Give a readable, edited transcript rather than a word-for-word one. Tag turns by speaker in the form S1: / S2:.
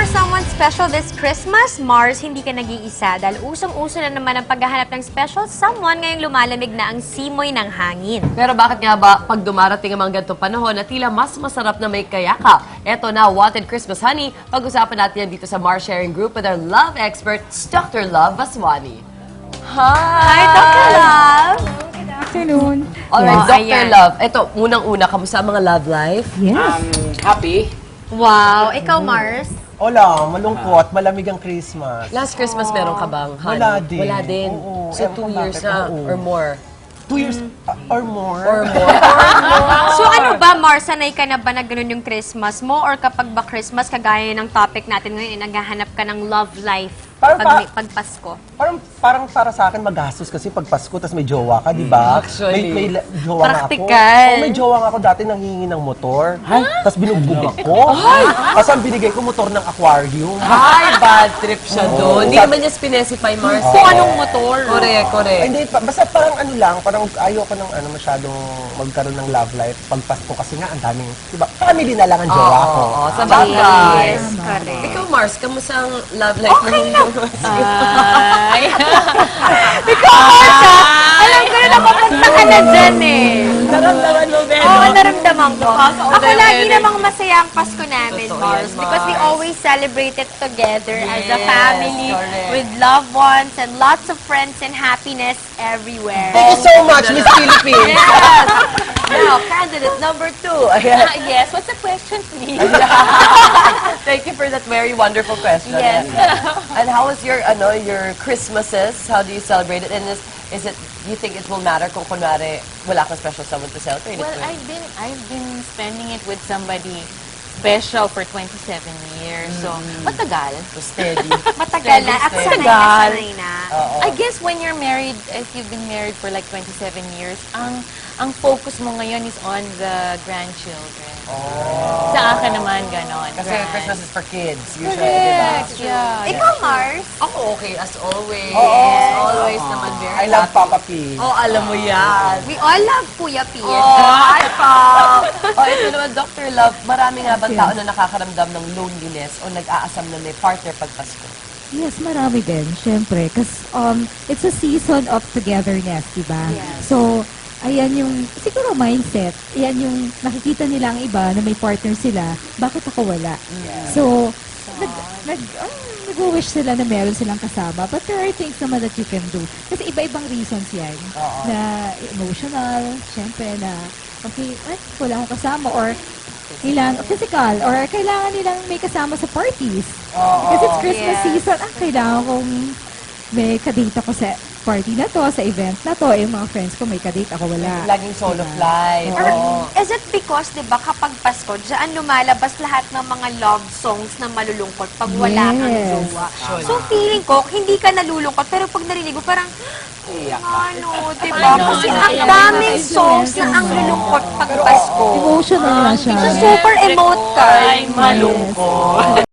S1: someone special this Christmas, Mars, hindi ka nag-iisa dahil usong-uso na naman ang paghahanap ng special someone ngayong lumalamig na ang simoy ng hangin.
S2: Pero bakit nga ba pag dumarating ang mga ganitong panahon na tila mas masarap na may kayakap? Eto na, Wanted Christmas Honey. Pag-usapan natin yan dito sa Mars Sharing Group with our love expert, Dr. Love Vaswani.
S1: Hi, Dr. Love!
S3: Afternoon.
S2: Alright,
S1: Wow,
S2: Dr.
S1: ayan.
S2: Love. Eto, unang-una, kamusta ang mga love life?
S3: Yes.
S4: Happy?
S1: Wow, ikaw, Mars?
S4: Wala, malungkot, malamig ang Christmas.
S2: Last Christmas meron ka bang honey?
S4: Wala din.
S2: Wala din.
S4: Oo,
S2: So,
S4: ewan
S2: 2
S4: ko
S2: years
S4: bakit,
S2: na
S4: oo.
S2: or more?
S4: 2 years or more.
S2: Or more.
S1: So ano ba, Mars, sanay ka na ba na ganun yung Christmas mo? Or kapag ba Christmas, kagaya ng topic natin ngayon, naghahanap ka ng love life pag Pasko?
S4: Parang para sa akin magastos kasi pag Pasko tas may jowa ka, di ba?
S2: Actually.
S4: May jowa nga ako.
S1: Practical.
S4: Oh, may jowa nga ako dati nanghingi ng motor. Tas binugbog ako. Kasi ang binigay ko motor ng aquarium.
S2: Ay, bad trip siya doon. Hindi naman niya specify, Mars.
S1: Kung anong motor?
S2: Correct, correct.
S4: Ay, hindi, basta parang ano lang, parang ayoko ng masyadong magkaroon ng love life pag Pasko kasi nga ang daming, di ba? Family na lang ang jowa ko.
S2: Oo, sa bagay.
S1: Yes, correct.
S2: Ikaw, Mars, kamusta ang love life mo?
S1: Ay. Ikaw, Mars, alam ko na nakapunta ka na dyan eh.
S2: Naramdaman mo, Ben?
S1: Oo, naramdaman ko. Ako lagi
S2: Correct.
S1: namang masaya ang Pasko namin,
S2: Totoo
S1: Mars.
S2: yan,
S1: Because we
S2: Mars.
S1: always celebrate it together as a
S2: Yes,
S1: family,
S2: correct.
S1: with loved ones, and lots of friends and happiness everywhere.
S4: Thank you so much, Miss Philippines!
S2: Now, candidate number 2. Ayan.
S1: Yes, what's the question, please?
S2: Thank you for that very wonderful question.
S1: Yes.
S2: And how was your Christmases? How do you celebrate it? And is it, do you think it will matter kung kunwari wala kang special someone to celebrate it
S5: Well,
S2: with?
S5: I've been spending it with somebody special for 27 years. So, matagal.
S2: So steady.
S1: Matagal na. Ako sanay na,
S5: Matagal.
S1: sanay na.
S5: I guess when you're married, if you've been married for like 27 years, ang focus mo ngayon is on the grandchildren. Sa akin naman, ganon.
S2: Kasi
S5: grand.
S2: Christmas is for kids, usually,
S5: Correct.
S2: di ba?
S5: Yeah.
S1: Ikaw, Mars?
S2: Ako okay, as always.
S4: Yes.
S2: Always naman very
S4: I love
S2: happy.
S4: Papa P.
S2: Oh, alam mo yan.
S1: We all love Kuya P.
S2: Hi, Pao! Ito naman, Dr. Love, marami nga bang tao na nakakaramdam ng loneliness o nag-aasam na may partner pag Pasko?
S3: Yes, marami din, syempre. Kasi it's a season of togetherness, di ba?
S1: Yes.
S3: So, ayan yung, siguro mindset, ayan yung nakikita nila ang iba na may partner sila, bakit ako wala? So, nag-wish sila na meron silang kasama. But there are things naman that you can do. Kasi iba-ibang reasons yan. Na emotional, syempre na, okay, wala akong kasama. Or kailangan, physical, or kailangan nilang may kasama sa parties. Kasi it's Christmas
S1: Yes.
S3: season, kailangan kong may kadate ako sa party na to, sa event na to, yung mga friends ko may kadate ako, wala.
S2: Laging solo flight.
S1: Or
S2: Oo.
S1: is it because, di ba, kapag Pasko, diyan lumalabas lahat ng mga love songs na malulungkot pag wala kang
S3: Yes.
S1: jowa. So, feeling ko, hindi ka nalulungkot, pero pag narinig mo, parang, ano, di ba? Kasi ang daming songs na ang lulungkot pag Pasko.
S3: Emotional na siya.
S1: So, super emote ka.
S5: Ay, malungkot.